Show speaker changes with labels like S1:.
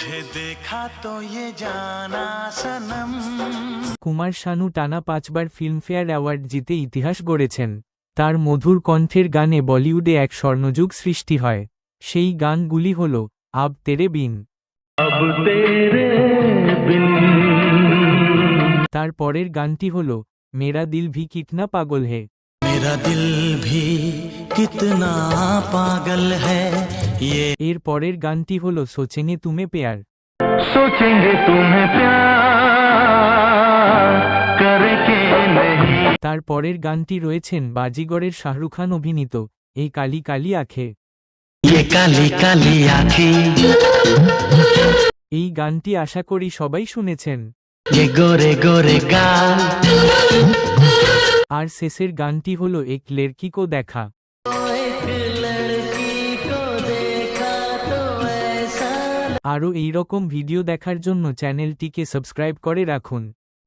S1: तुझे देखा तो ये जाना सनम।
S2: কুমার শানু টানা 5বার ফিল্মফেয়ার অ্যাওয়ার্ড জিতে ইতিহাস গড়েছেন। তার মধুর কণ্ঠের গানে বলিউডে এক স্বর্ণযুগ সৃষ্টি হয়। সেই গানগুলি হল আব তেরে বিন। তার পরের গানটি হল মেরা দিল ভি কিতনা পাগল হে।
S1: मेरा दिल भी कितना पागल है ये।
S2: এর পরের গানটি হল সোচেঙ্গে তুমে পেয়ার।
S1: सोचेंगे तुम्हें प्यार करके नहीं।
S2: তার পরের গানটি রয়েছেন বাজিগরের শাহরুখ খান অভিনীত এই কালি কালি আঁখে।
S1: ये काली काली आँखें,
S2: এই গানটি আশা করি সবাই শুনেছেন।
S1: ये गोरे गोरे गाल।
S2: আর শেষের গানটি হল এক লড়কি কো দেখা। আরও এই রকম ভিডিও দেখার জন্য চ্যানেলটিকে সাবস্ক্রাইব করে রাখুন।